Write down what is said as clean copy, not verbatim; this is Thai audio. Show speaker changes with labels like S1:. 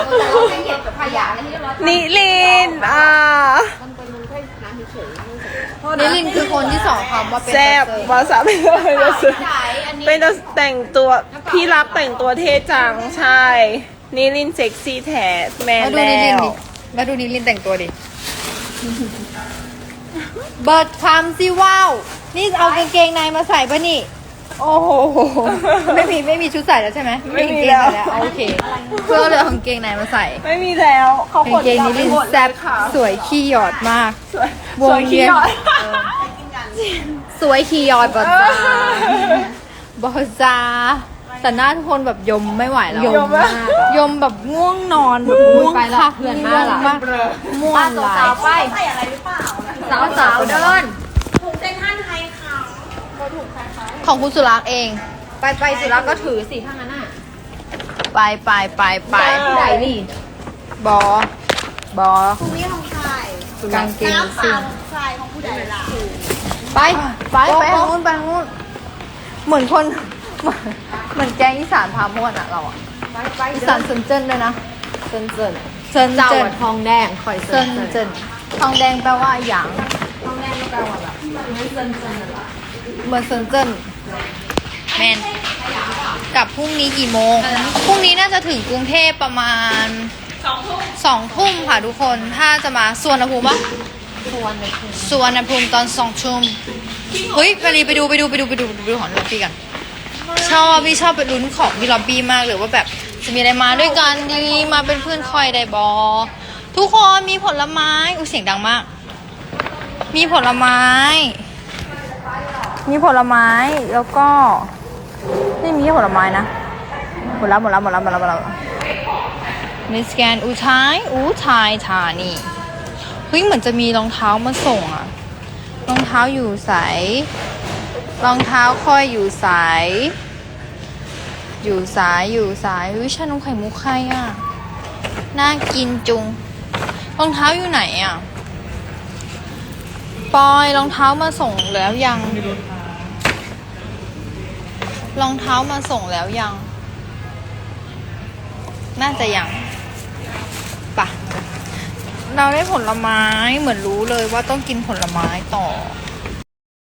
S1: แต่เราไม่เหยียบกับขยะอะไรที่เรียบร้อย
S2: นิลิน
S1: นิลินคือคนที่สอนคำว่าเป็น
S2: แซ่บวาซาบิเป็นแต่งตัวพี่รับแต่งตัวเท่จังใช่นิลินเซ็กซี่แท้แมน
S1: มาดูนิลิ
S2: แล้
S1: น
S2: ว
S1: ดิมาดูนิลินแต่งตัวดิเบิร์ดคำสิว้าวนี่เอากางเกงในมาใส่ปะนี่โอ้โหไม่มีชุดใส่แล้วใช่ไหมไม่มีกางเกงในแล้วโอเคเพื่อเลยเอากางเกงในมาใส่
S2: ไม่มีแล้วเขา
S1: กางเกงนิลินแซ่บสวยขี้หยอดมาก
S2: สวยขี้หยอด
S1: สวยขี้หยอดบอจาบอจาแต่หน้าทุกคนแบบยมไม่ไหวแล้วยมแบบง่วงนอนแบบง่วงคักเพื่อนมากม่วงหลายไปใส่อะไรหรือเปล่าสาวเดิน
S2: ถุงเส้นท่านไทยค่ะ
S1: ของคุณสุรักษ์เองไปสุรักษ์ก็ถือสิถ้างั้นน่ะไปไหนนี่บอ
S2: พรุ่งนี้ของใคร
S1: กางเกง
S2: น้ำเป
S1: สิ
S2: ล่าของใครของผู้ใดล่ะ
S1: ไปทางนู้นเหมือนคนเหมือนแกงอีสานพาม่วนอะเราอะอีสานเซินเจิ้นด้วยนะเซินเจ้าทองแดงคอยเซินเจิ้นทองแดงแปลว่าหยางทองแดงก็แปลว่าแบบเหมือนเซินเจิ้นแมนกลับพรุ่งนี้กี่โมงพรุ่งนี้น่าจะถึงกรุงเทพประมาณ2 ทุ่มค่ะทุกคนถ้าจะมาสวนภูมิปะสวนภูมิตอน2 ทุ่มเฮ้ยไปดูของล็อบบี้กันพี่ชอบไปลุ้นของที่ล็อบบี้มากเลยว่าแบบจะมีอะไรมาด้วยกันดีมาเป็นเพื่อนคอยได้บอทุกคนมีผลไม้เสียงดังมากมีผลไม้แล้วก็นี่มีผลไม้นะหมดแล้วในสแกนอุทัยธานีเฮ้ยเหมือนจะมีรองเท้ามาส่งอะรองเท้าอยู่ใสรองเท้าค่อยอยู่ใสวิชานมไข่มุกใครอะน่ากินจุงรองเท้าอยู่ไหนอะปอยรองเท้ามาส่งแล้วยังรองเท้ามาส่งแล้วยังน่าจะยังปะเราได้ผลไม้เหมือนรู้เลยว่าต้องกินผลไม้ต่อ